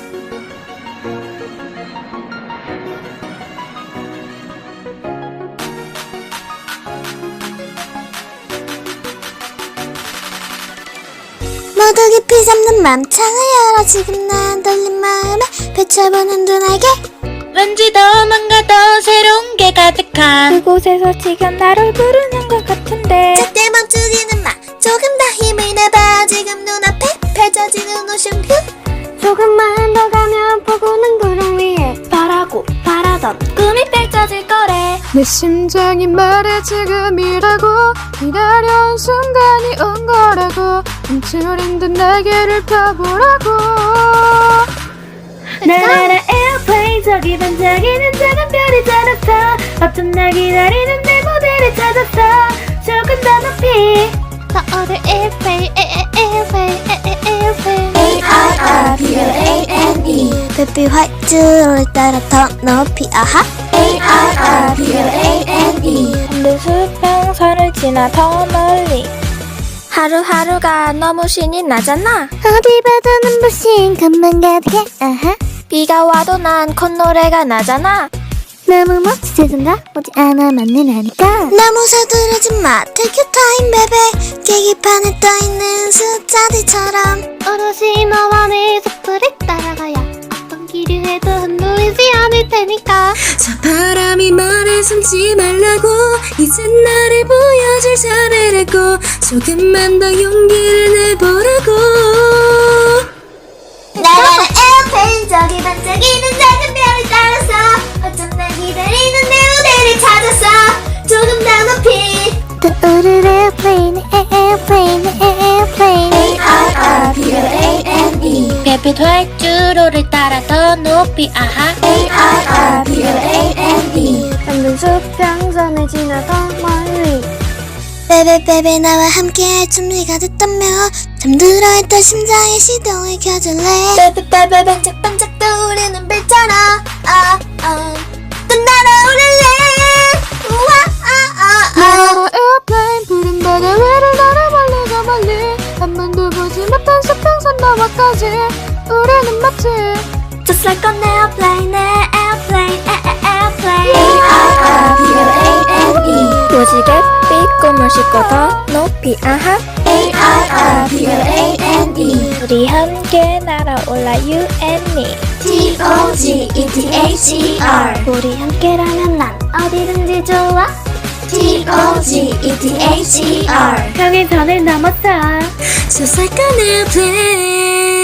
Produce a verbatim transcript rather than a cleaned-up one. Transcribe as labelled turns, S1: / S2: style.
S1: 모두 깊이 잡는 맘창을 열어 지금 난 떨린 마음에 펼쳐보는 두 날개
S2: 왠지 더 뭔가 더 새로운 게 가득한
S3: 그곳에서 지금 나를 부르는 것 같은데
S1: 절대 멈추지는 마 조금 더 힘을 내봐 지금 눈앞에 펼쳐지는 오션뷰
S3: 조금만 더 가면 보고는 구름 위에 바라고 바라던 꿈이 펼쳐질 거래.
S4: 내 심장이 말해 지금이라고 기다려온 순간이 온 거라고 움츠린 듯 날개를 펴보라고
S3: 나나나 에어플레인 저기 반짝이는 작은 별이 찾았어 어쩜 날 기다리는 내 무대를 찾았어 조금 더 높이 떠오를 에어플레인 에어플레인 에어플레인
S1: A-R-R-B-L-A-N-E 별빛 활주로를 따라 더 높이 아하 A-R-R-B-L-A-N-E
S3: 내 수평선을 지나 더 멀리 하루하루가 너무 신이 나잖아.
S1: 어디 봐도 눈부신 것만 가득해 아하
S3: 비가 와도 난 콧노래가 나잖아.
S1: 너무 멋지던가 오지 않아 맞는 하니까 너무 서두르지 마 Take your time baby 계기판에 떠있는 숫자들처럼
S3: 오롯이 너와 내 속도를 따라가야 어떤 길을 해도 흔들리지 않을 테니까.
S4: 저 바람이 말해 숨지 말라고 이제 나를 보여줄 차례라고 조금만 더 용기를 내보라고
S1: 나라는 에어플레인 저기 반짝이는 작은 별을 따라서 어쩜 날 기다리는 내 무대를 찾았어 조금 더 높이 떠오를 에어플레인 에어플레인 에어플레인 A-R-R-B-L-A-N-E
S2: 별빛 활주로를 따라 더 높이 아하
S1: A-R-R-B-L-A-N-E
S3: 험한 수평선을 지나 더 멀리
S1: 베베베베 나와 함께할 준비가 됐다며 잠들어 있던 심장의 시동을 켜줄래 베베베베 반짝반짝 떠오르는 별처럼 아, 아. 또 날아오를래 우와 아, 아, 아.
S4: 나라 에어플레인 푸른 바다 위를 날아 멀리 저 멀리 한 번도 보지 못한 수평선 너머까지 우리는 마치
S3: Just like an airplane airplane airplane
S1: A-R-R-B-L-A-N-E
S3: 무지갯빛 꿈을 싣고 더 높이 아하
S1: A-R-R-B-L-A-N-E
S3: 우리 함께 날아올라 You and me
S1: T-O-G-E-T-H-E-R
S3: 우리 함께라면 난 어디든지 좋아
S1: T-O-G-E-T-H-E-R
S3: 여기 선을 넘었어
S4: Just like an airplane